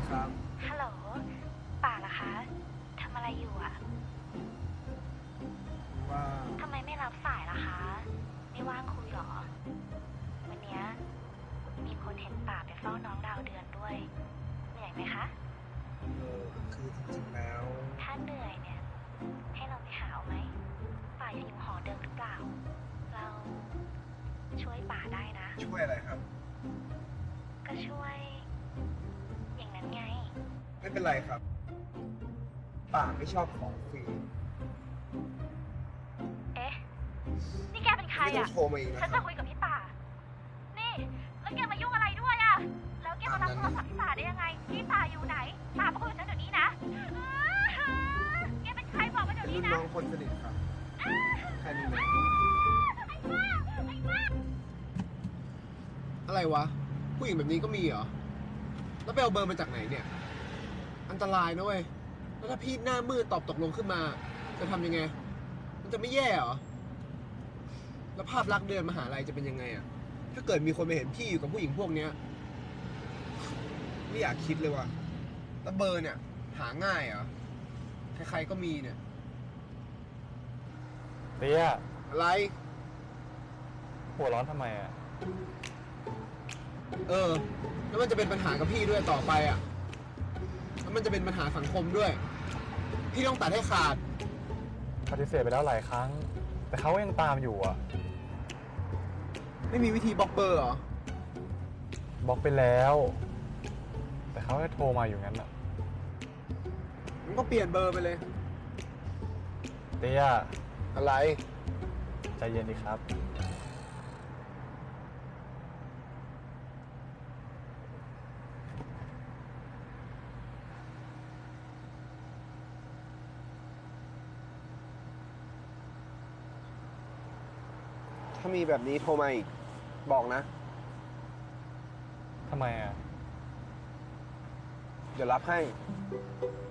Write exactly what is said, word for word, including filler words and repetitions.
ครับฮัลโหลป่าเหรอคะทำอะไรอยู่อะว่าทำไมไม่รับสายล่ะคะไม่ว่างคุยหรอวันนี้มีคนเห็นป่าไปเฝ้าน้องดาวเดือนด้วยเหนื่อยไหมคะเออคือจริงๆแล้วถ้าเหนื่อยเนี่ยให้เราไปหาเอาไหมป่ายังอยู่หอเดิมหรือเปล่าเราช่วยป่าได้นะช่วยอะไรครับก็ช่วยอย่างนั้นไงไม่เป็นไรครับป่าไม่ชอบของฟรีเอ๊ะนี่แกเป็นใครไม่ต้ออะงโทรมาอีกนะฉันครัจะบคุยกับพี่ป่านี่แล้วแกมายุ่งอะไรด้วยอะแล้วแกมารับโทรศัพท์พี่ป่าได้ยังไงพี่ป่าอยู่ไหนป่ามาคุยกับฉันเดี๋ยวนี้นะแกเป็นใครบอกมาเดี๋ยวเป็นนี้รุ่นนะน้องคนสนิทครับแค่นี้เลยอะไรวะผู้หญิงแบบนี้ก็มีเหรอแล้วไปเอาเบอร์มาจากไหนเนี่ยอันตรายนะเว้ยแล้วถ้าพี่หน้ามืดตอบตกลงขึ้นมาจะทำยังไงมันจะไม่แย่เหรอแล้วภาพลักษณ์เดินมหาลัยจะเป็นยังไงอะถ้าเกิดมีคนไปเห็นพี่อยู่กับผู้หญิงพวกเนี้ยไม่อยากคิดเลยว่ะแล้วเบอร์เนี่ยหาง่ายเหรอใครๆก็มีเนี่ยเตี้ยอะไรหัวร้อนทำไมอ่ะเออแล้วมันจะเป็นปัญหากับพี่ด้วยต่อไปอ่ะแล้วมันจะเป็นปัญหาสังคมด้วยพี่ต้องตัดให้ขาดปฏิเสธไปแล้วหลายครั้งแต่เขาก็ยังตามอยู่อ่ะไม่มีวิธีบล็อกเบอร์เหรอบล็อกไปแล้วแต่เขาก็โทรมาอยู่งั้นอ่ะมันก็เปลี่ยนเบอร์ไปเลยเตี้ยอะไรใจเย็นดีครับถ้ามีแบบนี้โทรมาอีกบอกนะทำไมอ่ะเดี๋ยวรับให้